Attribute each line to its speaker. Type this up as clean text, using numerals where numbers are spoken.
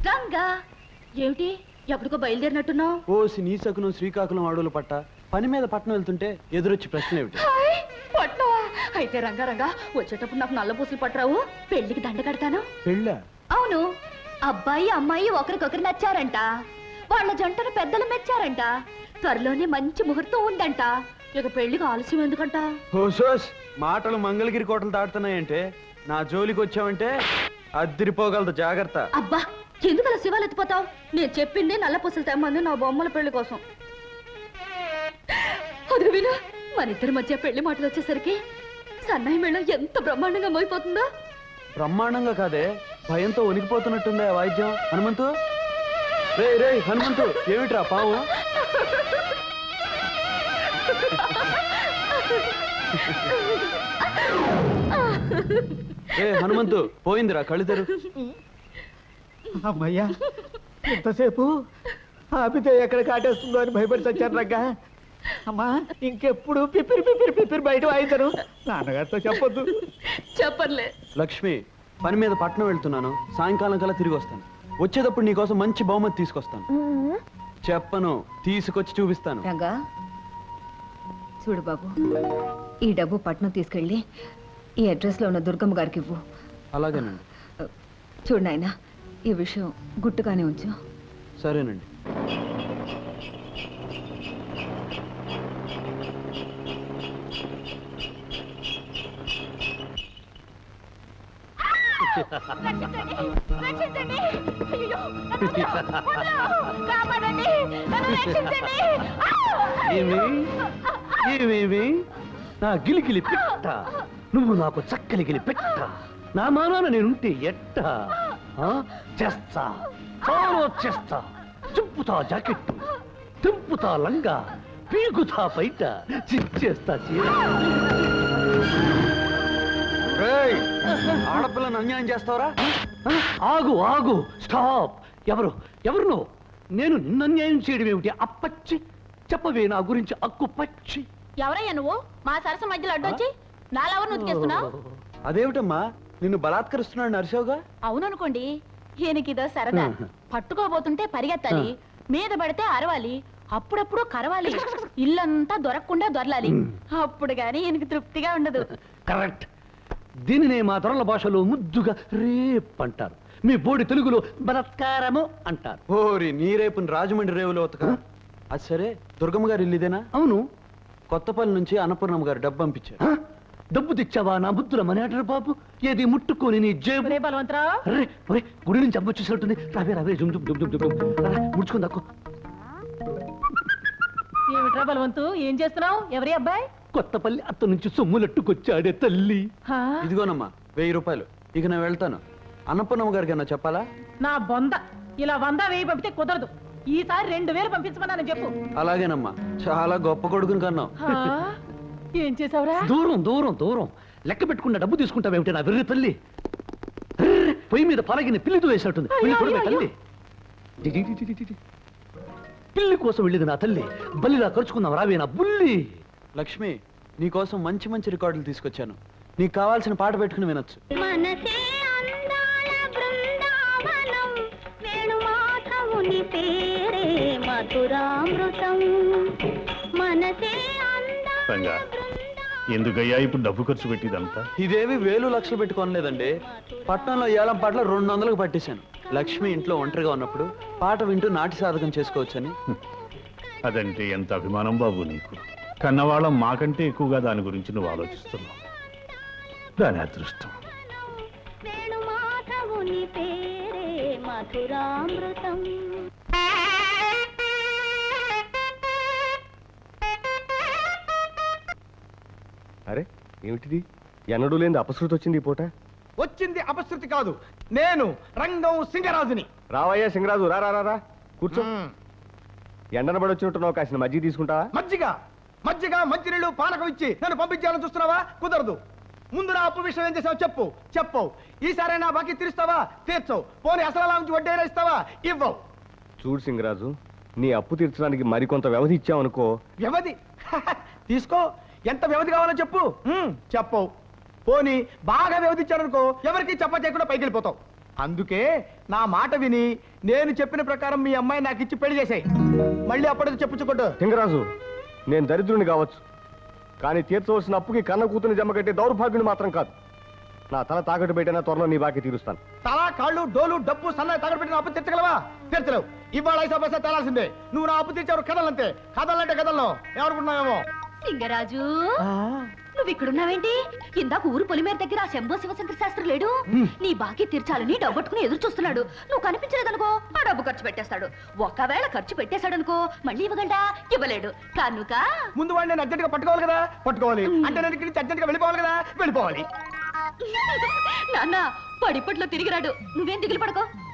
Speaker 1: రంగా ఏమిటి ఎప్పటికో బయలుదేరినట్టున్నావు?
Speaker 2: ఓసి నీ సకునం శ్రీకాకుళం అడవులు పట్ట పని మీద పట్నం వెళ్తుంటే ఎదురొచ్చి ప్రశ్న ఏమిటి?
Speaker 1: పట్నవా? అయితే రంగా రంగా వచ్చేటప్పుడు నాకు నల్ల పూసలు పట్టరావు, పెళ్లికి దండ కడతాను.
Speaker 2: పెళ్ళా?
Speaker 1: అవును, అబ్బాయి అమ్మాయి ఒకరికొకరు నచ్చారంట, వాళ్ళ జంటను పెద్దలు మెచ్చారంట, త్వరలోనే మంచి ముహూర్తం ఉందంట. ఇక పెళ్లికి ఆలస్యం ఎందుకంట?
Speaker 2: ఓసోస్ మాటలు మంగళగిరి కోటలు దాటుతున్నాయంటే నా జోలికి వచ్చావంటే అద్దిరిపోగలదు, జాగ్రత్త.
Speaker 1: అబ్బా ఎందుకలా శివాలు ఎత్తిపోతావు? నేను చెప్పింది నల్ల పూసలు తెమ్మంది నా బొమ్మల పెళ్లి కోసం. అది విను, మన ఇద్దరి మధ్య పెళ్లి మాటలు వచ్చేసరికి సన్నాయి మేళం ఎంత బ్రహ్మాండంగా మోయిపోతుందో.
Speaker 2: బ్రహ్మాండంగా కాదే, భయంతో వణికిపోతున్నట్టుందా వాయిద్యం. హనుమంతు, రే రే హనుమంతు, ఏమిట్రా పావు? ఏ హనుమంతు, పోయిందిరా, కళ్ళు తెరు.
Speaker 3: అమ్మయ్యా, ఎంతసేపు ఆపితే ఎక్కడ కాటేస్తుందో అని భయపడి చచ్చాను రంగా. అమ్మా ఇంకెప్పుడు పిపిరి పిపిరి పిపిరి బయట వాయిద్దరు, నాన్నగారితో చెప్పొద్దు.
Speaker 1: చెప్పర్లే.
Speaker 2: లక్ష్మి, పని మీద పట్నం వెళ్తున్నాను, సాయంకాలం కల్లా తిరిగి వస్తాను. వచ్చేటప్పుడు నీకోసం మంచి బహుమతి తీసుకొస్తాను. చెప్పను, తీసుకొచ్చి చూపిస్తాను.
Speaker 4: రంగా చూడు బాబు, ఈ డబ్బు పట్నం తీసుకెళ్ళి ఈ అడ్రస్ లో ఉన్న దుర్గమ్మ గారికి ఇవ్వు.
Speaker 2: అలాగేనండి.
Speaker 4: చూడు నాయనా, ఈ విషయం గుట్టుగానే ఉంచు.
Speaker 2: సరేనండి.
Speaker 5: నా గిలిగిలి పెట్ట, నువ్వు నాకు చక్కలి గిలి పెట్ట, నా మానాన నేనుంటే ఎట్ట చేస్తా, చాలా చేస్తా. చింపుతా జాకెట్టు, తింపుతా లంగా, పీకుతా బయట, చిచ్చేస్తా చీర.
Speaker 2: ఆడపిల్లను అన్యాయం చేస్తావరా?
Speaker 5: ఆగు ఆగు, స్టాప్. ఎవరు ఎవరు నువ్వు? నేను నిన్ను అన్యాయం చేయడం ఏమిటి? అప్పచ్చి చెప్పవే నా గురించి అక్కు పచ్చి.
Speaker 1: ఎవరయ్యా నువ్వు మా సరస మధ్యలో అడ్డొచ్చి నాలెవరు నుతికేస్తున్నావు?
Speaker 2: అదేమిటమ్మా, నిన్ను బలాత్కరిస్తున్నాడు నరసోగా?
Speaker 1: అవుననుకోండి, ఈయనకిదో సరదా. పట్టుకోబోతుంటే పరిగెత్తాలి, మీద పడితే అరవాలి, అప్పుడప్పుడు కరవాలి, ఇల్లంతా దొరకకుండా దొరలాలి. అప్పుడు గాని ఈయనకి తృప్తిగా ఉండదు.
Speaker 5: కరెక్ట్. దీనినే మా దొరల భాషలో ముద్దుగా రేప్ అంటారు, మీ బోడి తెలుగులో బలాత్కారము అంటారు.
Speaker 2: ఓరి నీ రేపుని రాజమండ్రి రేవులో ఉతక. అది సరే, దుర్గమ్మ గారు ఇల్లు ఇదేనా?
Speaker 5: అవును.
Speaker 2: కొత్తపల్లి నుంచి అన్నపూర్ణమ్మ గారు డబ్బు పంపించారు.
Speaker 5: డబ్బు తెచ్చావా నా బుద్ధుల మనేటరు బాబు? ఏది ముట్టుకొని నీ జేబు. గుడి నుంచి అమ్మ వచ్చేసినట్టుంది. రావే రావే, జుమ్ జుమ్ జుమ్ జుమ్ జుమ్ ముడుచుకుంది అక్కు.
Speaker 6: ఏమిట్రా బలవంతు, ఏం చేస్తున్నావు? ఎవరి అబ్బాయి?
Speaker 5: కొత్తపల్లి అత్త నుంచి సొమ్ములట్టుకొచ్చాడే తల్లి.
Speaker 2: ఇదిగోనమ్మా 1000 రూపాయలు. ఇక నేను వెళ్తాను. అన్నపూర్ణమ్మ గారికి అన్నా చెప్పాలా?
Speaker 6: నా బొంద, ఇలా 100 1000 పంపితే కుదరదు. ఈసారి 2000 పంపించమన్నాను చెప్పు.
Speaker 2: అలాగేనమ్మా, చాలా గొప్ప కొడుకుని కన్నావు.
Speaker 6: ఏం చేసావురా?
Speaker 5: దూరం దూరం దూరం లెక్క పెట్టుకున్న డబ్బు తీసుకుంటావేమిటి నా వెర్రి తల్లి? పొయ్యి మీద పలగిన పిల్లితో వేసినట్టుంది. తల్లి పిల్లి కోసం వెళ్ళింది నా తల్లి. బల్లిలా ఖర్చుకుందాం రావే నా బుల్లి.
Speaker 2: లక్ష్మి, నీకోసం మంచి మంచి రికార్డులు తీసుకొచ్చాను. నీకు కావాల్సిన పాట పెట్టుకుని వినొచ్చు.
Speaker 7: ఎందుకయ్యా ఇప్పుడు డబ్బు ఖర్చు పెట్టిదంతా?
Speaker 2: ఇదేవి 1000 లక్షలు పెట్టుకోనలేదండి. పట్టణంలో ఏలం పాటలు 200లకు పట్టేశాను. లక్ష్మి ఇంట్లో ఒంటరిగా ఉన్నప్పుడు పాట వింటూ నాటి సాధకం చేసుకోవచ్చని.
Speaker 7: అదంటే ఎంత అభిమానం బాబు నీకు. కన్నవాళ్ళం మాకంటే ఎక్కువగా దాని గురించి నువ్వు ఆలోచిస్తున్నావు. దాని అదృష్టం.
Speaker 3: అరే ఏమిటిది? ఎన్నడూ లేని అపశృతి వచ్చింది ఈ పూట.
Speaker 8: వచ్చింది అపశృతి కాదు, నేను రంగం సింగరాజుని.
Speaker 3: రావయ్యా సింగరాజు, రా రా రా కూర్చో. ఎండన పడి వచ్చినట్టున్నావు, కాసిన మజ్జిగ తీసుకుంటావా?
Speaker 8: మజ్జిగ మజ్జిగ మంచినీళ్ళు పానకం ఇచ్చి నన్ను పంపించాలని చూస్తున్నావా? కుదరదు. ముందు నా అప్పు విషయం ఏం చేసావు చెప్పు. చెప్పవు. ఈసారి నా బాకీ తీరుస్తావా? తీర్చవు. పోనీ అసలు నుంచి వడ్డీ ఇస్తావా? ఇవ్వవు.
Speaker 3: చూడు సింగరాజు, నీ అప్పు తీర్చడానికి మరికొంత వ్యవధి ఇచ్చావనుకో.
Speaker 8: వ్యవధి తీసుకో. ఎంత వ్యవధి కావాలో చెప్పు. చెప్పవు. పోనీ బాగా వ్యవధించారనుకో, ఎవరికి చెప్ప చేయకుండా పైకి వెళ్ళిపోతావు. అందుకే నా మాట విని నేను చెప్పిన ప్రకారం మీ అమ్మాయి నాకు ఇచ్చి పెళ్లి చేసాయి. మళ్ళీ అప్పటికి చెప్పుచ్చుకోట్టు.
Speaker 9: లింగరాజు, నేను దరిద్రుని కావచ్చు, కానీ తీర్చవలసిన అప్పుకి కన్న కూతుని జమ కట్టే దౌర్భాగ్యుని మాత్రం కాదు. నా తల తాకట్టు పెట్టినా త్వరలో నీ బాకీ తీరుస్తాను.
Speaker 8: తల, కాళ్ళు, డోలు, డబ్బు, సన్నాయి తగడు పెట్టిన అప్పు తీర్చగలవా? తీర్చలేవు. ఇవాళ 5 పైసా తేలాల్సిందే. నువ్వు నా అప్పు తీర్చావు. కథలంతే. కథలంటే కథల్లో ఏమనుకుంటున్నావేమో.
Speaker 1: లింగరాజు నువ్వు ఇక్కడున్నావేంటి? ఇందాక ఊరు పొలిమేర దగ్గర ఆ శంభో శివశంకర శాస్త్రి లేడు? నీ బాకీ తీర్చాలని డబ్బట్టుకుని ఎదురు చూస్తున్నాడు. నువ్వు కనిపించలేదనుకో ఆ డబ్బు ఖర్చు పెట్టేస్తాడు. ఒకవేళ ఖర్చు పెట్టేశాడనుకో మళ్ళీ ఇవ్వగలడా? ఇవ్వలేడు. కనుక
Speaker 8: ముందు వాడిని నేను అర్జెంట్గా పట్టుకోవాలి కదా. పట్టుకోవాలి అంటే నేను ఇక్కడి నుంచి అర్జెంట్గా వెళ్ళిపోవాలి కదా. వెళ్ళిపోవాలి.
Speaker 1: నాన్న పడిపట్లో తిరిగిరాడు. నువ్వేం దిగులు పడకో.